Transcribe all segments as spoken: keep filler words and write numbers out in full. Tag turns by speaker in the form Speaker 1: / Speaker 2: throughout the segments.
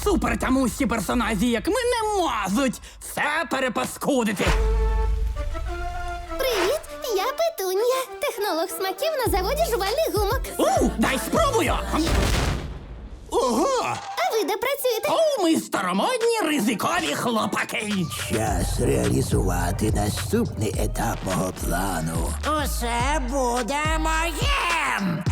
Speaker 1: супертямущі персонажі, як ми, не можуть все перепаскудити.
Speaker 2: Привіт, я Петунія, технолог смаків на заводі жувальних гумок.
Speaker 1: У, дай спробую!
Speaker 3: Ого!
Speaker 2: А ви де працюєте?
Speaker 1: О, ми старомодні ризикові хлопаки.
Speaker 4: Час реалізувати наступний етап мого плану.
Speaker 5: Усе буде моїм!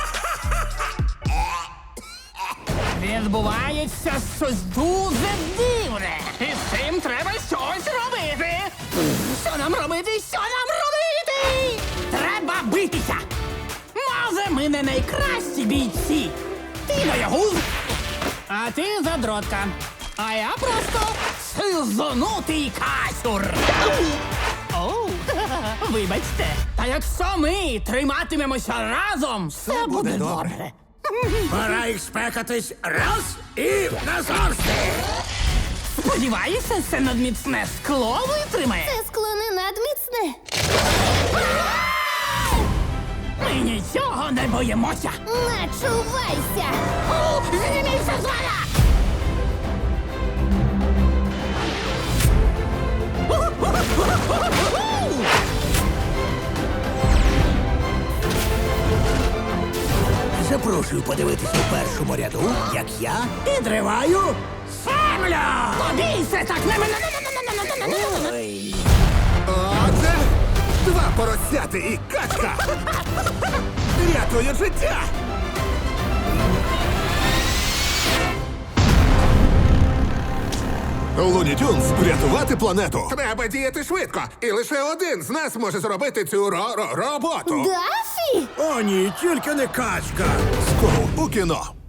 Speaker 1: Відбувається щось дуже дивне. І з цим треба щось робити. Що нам робити? Що нам робити? Треба битися. Може, ми не найкращі бійці. Ти боягуз, а ти задротка. А я просто сизонутий касюр. Оу, вибачте. Та якщо ми триматимемося разом, все буде добре.
Speaker 3: Пора їх спекатись раз і назавжди!
Speaker 1: Сподіваюся, це надміцне скло витримає.
Speaker 2: Це скло не надміцне.
Speaker 1: Ми нічого не боїмося.
Speaker 2: Начувайся!
Speaker 1: О, зніміться з мене!
Speaker 4: Запрошую подивитися у першому ряду, як я підриваю.
Speaker 1: Землю! Побійся так! Не мене!
Speaker 4: Ой.
Speaker 3: Отже, два поросяти і качка! Рятує життя! Луні Тюнс, врятувати планету! Треба діяти швидко, і лише один з нас може зробити цю ро-ро- роботу.
Speaker 2: Дафі!
Speaker 4: О, ні, тільки не качка.
Speaker 3: Скоро у кіно.